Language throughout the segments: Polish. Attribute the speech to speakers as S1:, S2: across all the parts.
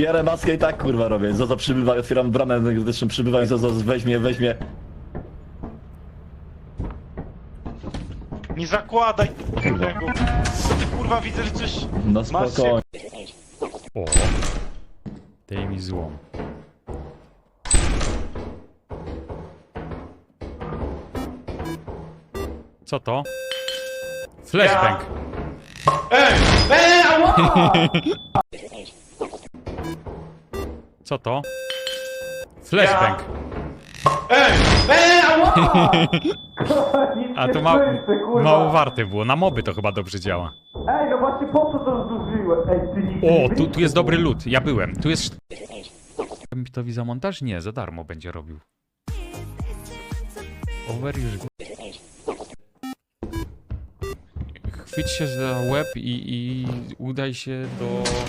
S1: Bierę maskę i tak kurwa robię. Zozo przybywa, otwieram bramę energetyczną, przybywa i Zozo weźmie.
S2: Nie zakładaj tego. Co ty kurwa widzę, że coś...
S1: No
S2: Masz
S1: spokojnie.
S3: O. Daj mi złom. Co to? Flashbang. Co to? Flashbang. A to mało warte było. Na moby to chyba dobrze działa.
S2: Ej, no właśnie po co to zużyłem? Ej, ty nigdy
S3: O, tu jest dobry lód. Ja byłem. Tu jest... Bitowi za montaż? Nie, za darmo będzie robił. Over już... Chwyć się za łeb i udaj się do...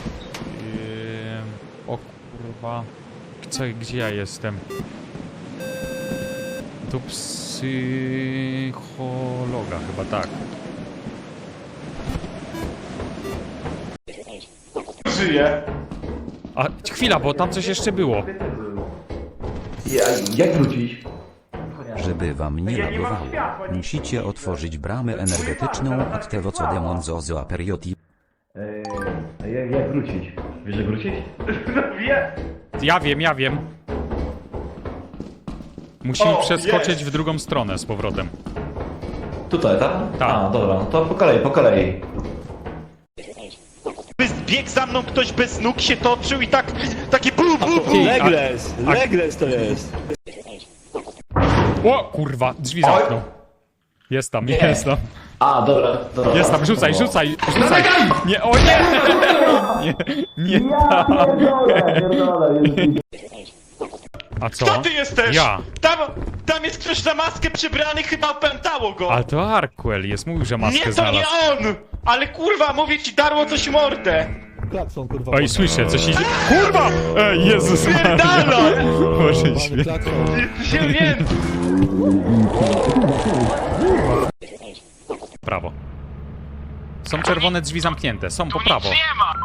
S3: o kurwa... Gdzie ja jestem? Do psychologa chyba, tak.
S2: żyje.
S3: A chwila, bo tam coś jeszcze było.
S1: Jak wrócić?
S4: Żeby wam nie lagowało, musicie otworzyć bramę energetyczną od tego co demon zozo aperioti.
S1: Jak wrócić? Wiesz jak wrócić?
S2: No wie.
S3: Ja wiem. Musimy
S2: O,
S3: przeskoczyć
S2: jest.
S3: w drugą stronę z powrotem.
S1: Tutaj, tak?
S3: Tak.
S1: A, dobra, to po kolei.
S2: Biegł za mną ktoś bez nóg, się toczył i tak... Takie bu.
S3: Ty,
S1: Legles to jest.
S3: O kurwa, drzwi zamknął. Jest tam.
S1: A, dobra.
S3: Jest tam, rzucaj. Nie, o nie! Nie tak. A co?
S2: Kto ty jesteś?
S3: Ja.
S2: Tam jest ktoś za maskę przybrany, chyba opętało go.
S3: Ale to Arkwell jest, mówił, że maskę
S2: Nie, to
S3: znalazł.
S2: nie on! Ale kurwa, mówię ci, darło coś mordę.
S5: Klakson, kurwa.
S3: Oj, słyszę, coś idzie. Kurwa! Ej, Jezus Maria.
S2: Pierdala!
S3: Boże święty.
S5: Klakson.
S2: Się nie...
S3: Prawo. Są czerwone drzwi zamknięte, są po prawo.
S2: Nie ma!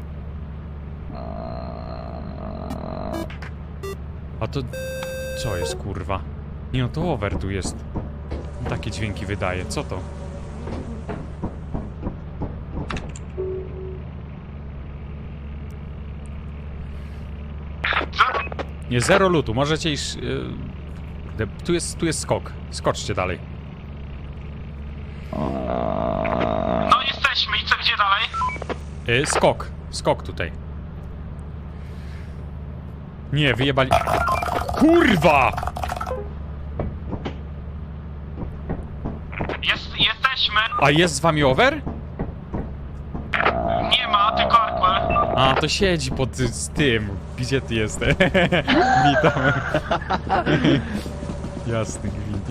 S3: A to... Co jest, kurwa? Nie no, to over tu jest. Takie dźwięki wydaje, co to? Nie, zero lutu, możecie iść... tu jest skok. Skoczcie dalej.
S2: No jesteśmy i co, gdzie dalej?
S3: Skok tutaj. Nie, wyjebali... Kurwa!
S2: Jesteśmy.
S3: A jest z wami over?
S2: Nie ma, tylko Arkwell.
S3: A, to siedzi pod z tym. Gdzie ty jesteś? Witam. Jasny gwint.